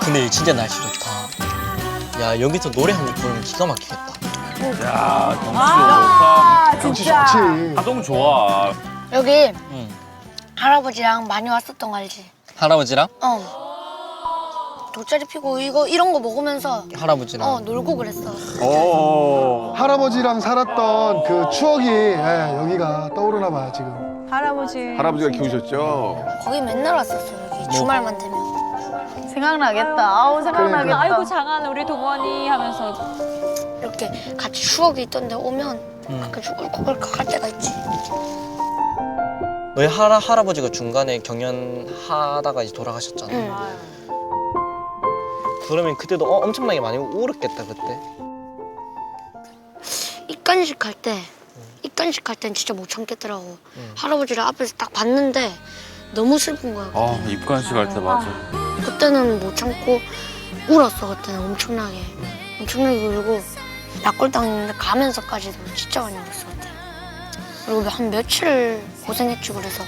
근데 진짜 날씨 좋다. 야, 여기서 노래 한 곡 부르면 기가 막히겠다. 야, 경치 아, 역시 진짜. 좋지. 하동 좋아. 여기 응. 할아버지랑 많이 왔었던 거 알지? 할아버지랑? 돗자리 피고 이런 거 먹으면서 할아버지랑. 놀고 그랬어. 오. 할아버지랑 살았던 그 추억이 여기가 떠오르나 봐요, 지금. 할아버지가 키우셨죠? 거기 맨날 왔었어 여기 주말만 되면. 생각나겠다. 아우 생각나겠다. 그러니까. 아이고 장한 우리 동원이 하면서 이렇게 같이 추억이 있던데 오면 가끔 울컥울컥 할 때가 있지. 너희 할아버지가 중간에 경연하다가 이제 돌아가셨잖아. 응. 그러면 그때도 엄청나게 많이 울었겠다, 그때. 입간식 할 땐 진짜 못 참겠더라고. 할아버지를 앞에서 딱 봤는데 너무 슬픈 거야. 아, 입관식 할 때 맞아. 그때는 못 참고 울었어. 그때는 엄청나게 울고 약골당했는데 가면서까지도 진짜 많이 울었어 그때. 그리고 한 며칠 고생했지 그래서.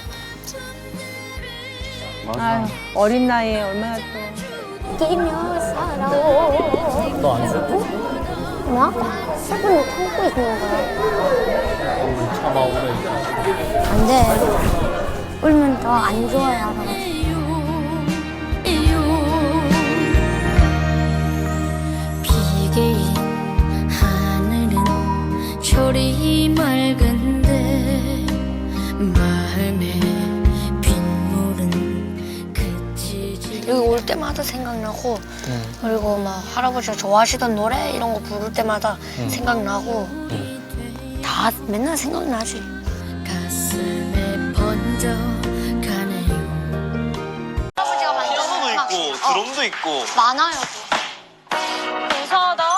아유, 어린 나이에 얼마나 또. 뛰며 살아오. 너 안 슬퍼? 뭐? 슬픈데 참고 있는 거야. 참아, 울어. 안 돼. 울면 더 안 좋아요 할아버지. 비개인 하늘은 초리 맑은데 마음에 빗물은 그치지. 여기 올 때마다 생각나고 그리고 막 할아버지가 좋아하시던 노래 이런 거 부를 때마다 생각나고 다 맨날 생각나지. 가슴에 번져가네요. 할아버지가 만든 피아노도 있고, 드럼도 있고. 많아요. 이상하다.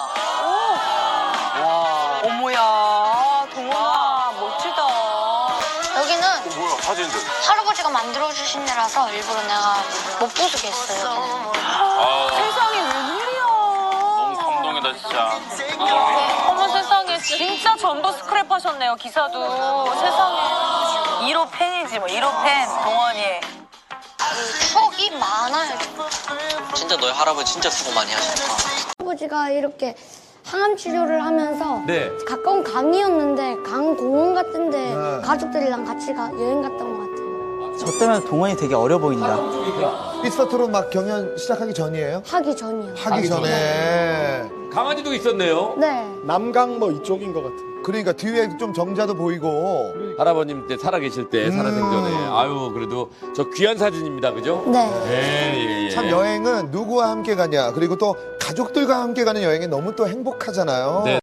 와. 어머야, 동원아, 멋지다. 여기는 뭐야, 사진들. 할아버지가 만들어주신 데라서 일부러 내가 못 부수게 했어요. 여기는. 세상에 웬일이야. 너무 감동이다, 진짜. 어머 세상에 진짜 전부 스크랩 하셨네요 기사도. 세상에 1호 팬이지 뭐 1호 팬 동원이. 추억이 많아요. 진짜 너희 할아버지 진짜 수고 많이 하셨다. 할아버지가 이렇게 항암 치료를 하면서 네. 가까운 강이었는데 강 공원 같은데 네. 가족들이랑 같이 여행 갔던 것 같아요. 저 때면 동원이 되게 어려 보인다. 미스터 막 경연 시작하기 전이에요? 하기 전이요. 하기 전에. 강아지도 있었네요. 네. 남강 뭐 이쪽인 것 같은. 그러니까 뒤에 좀 정자도 보이고. 할아버님 때 살아계실 때, 살아생전에. 아유, 그래도 저 귀한 사진입니다, 그죠? 네. 예. 참 여행은 누구와 함께 가냐, 그리고 또 가족들과 함께 가는 여행이 너무 또 행복하잖아요. 네.